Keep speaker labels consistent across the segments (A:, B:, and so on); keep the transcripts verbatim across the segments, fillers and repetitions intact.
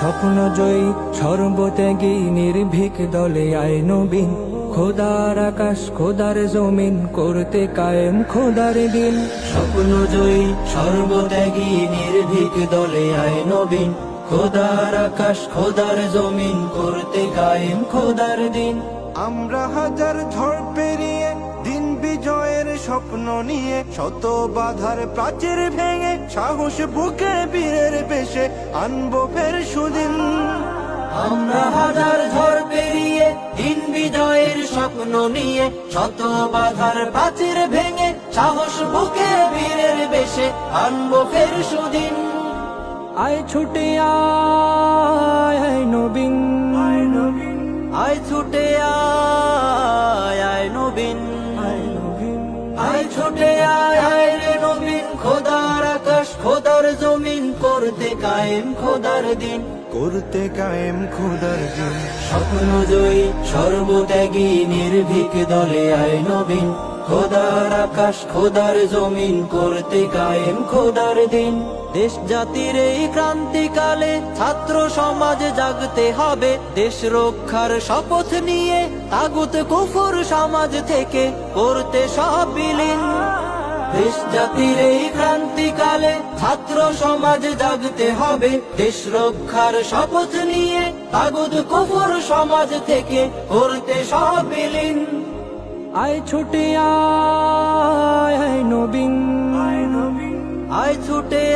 A: স্বপ্ন জয়ী সর্বত্যাগী নির্ভীক দলে আয় নবীন। খোদার আকাশ খোদার জমিন করতে কায়েম খোদার দিন।
B: স্বপ্ন জয়ী সর্বত্যাগী নির্ভীক দলে আয় নবীন। খোদার আকাশ খোদার জমিন করতে কায়েম খোদার দিন।
C: আমরা হাজার ঝড় পেরিয়ে দিন বিজয়ের স্বপ্ন নিয়ে, শত বাধার প্রাচীর ভেঙে সাহস বুকে বীরের বেশে আনবো ফের সুদিন।
B: আমরা হাজার ঝড় পেরিয়ে দিন বিজয়ের স্বপ্ন নিয়ে, শত বাধার প্রাচীর ভেঙে সাহস বুকে বীরের বেশে আনবো ফের সুদিন।
A: আয় ছুটে আয় আয় নবীন,
B: আয় ছুটে আয় আয় নবীন, আয় ছুটে আয় আয় রে নবীন। খোদার আকাশ খোদার জমিন করতে কায়েম খোদার দিন।
C: করতে কায়েম খোদার দিন।
B: স্বপ্ন জয়ী সর্বত্যাগী নির্ভীক দলে আয় নবীন। খোদার আকাশ খোদার জমিন করতে কায়েম খোদার দিন। দেশ জাতির এই ক্রান্তিকালে ছাত্র সমাজ জাগতে হবে, দেশ রক্ষার শপথ নিয়ে তাগুত কুফর সমাজ থেকে করতে সব বিলীন। দেশ জাতির এই ক্রান্তিকালে ছাত্র সমাজ জাগতে হবে, দেশ রক্ষার শপথ নিয়ে তাগুত কুফর সমাজ থেকে করতে সব বিলীন।
A: আয় ছুটে আয় আয় নবীন,
B: আয় ছুটে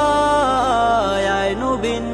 B: আয় আয় নবীন,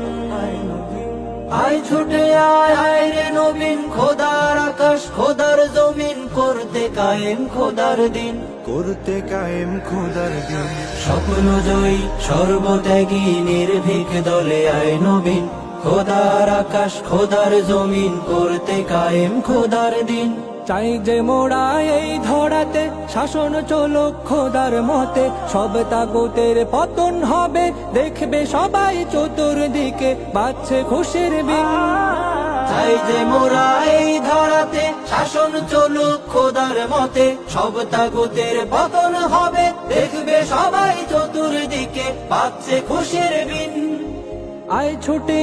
B: আয় ছুটে আয় আয় রে নবীন। খোদার আকাশ খোদার জমিন করতে কায়েম খোদার দিন।
C: করতে কায়েম খোদার দিন।
B: স্বপ্ন জয়ী সর্বত্যাগী নির্ভীক দলে আয় নবীন। খোদার আকাশ খোদার জমিন করতে কায়েম খোদার দিন।
A: চাই যে মোরা এই ধরাতে শাসন চলুক খোদার মতে, সব তাগুতের পতন হবে দেখবে সবাই চতুর্দিকে বাজছে খুশির বিন।
B: চাই যে মোরা এই ধরাতে শাসন চলুক খোদার মতে, সব তাগুতের পতন হবে দেখবে সবাই চতুর্দিকে বাজছে খুশির বিন।
A: আয় ছুটে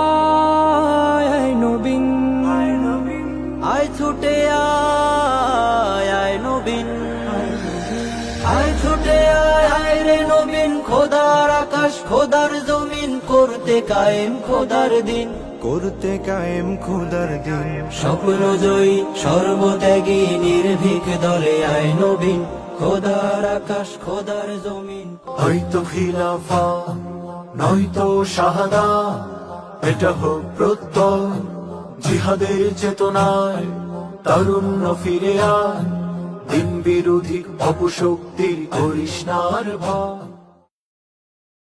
A: আয় আয় নবীন,
B: আয় ছুটে আয় আয় নবীন, আয় ছুটে আয় আয় রে নবীন। খোদার আকাশ খোদার জমিন করতে কায়েম খোদার দিন।
C: করতে কায়েম খোদার দিন।
B: স্বপ্ন জয়ী সর্বত্যাগী নির্ভীক দলে আয় নবীন। খোদার আকাশ খোদার জমিন।
D: হয়তো খিলাফা নয়তো শাহাদা, এটা হোক প্রত্যয় জিহাদের চেতনায়। তারুণ্য ফিরে আয়, দিন বিরোধী অপশক্তির করিস না আর ভয়।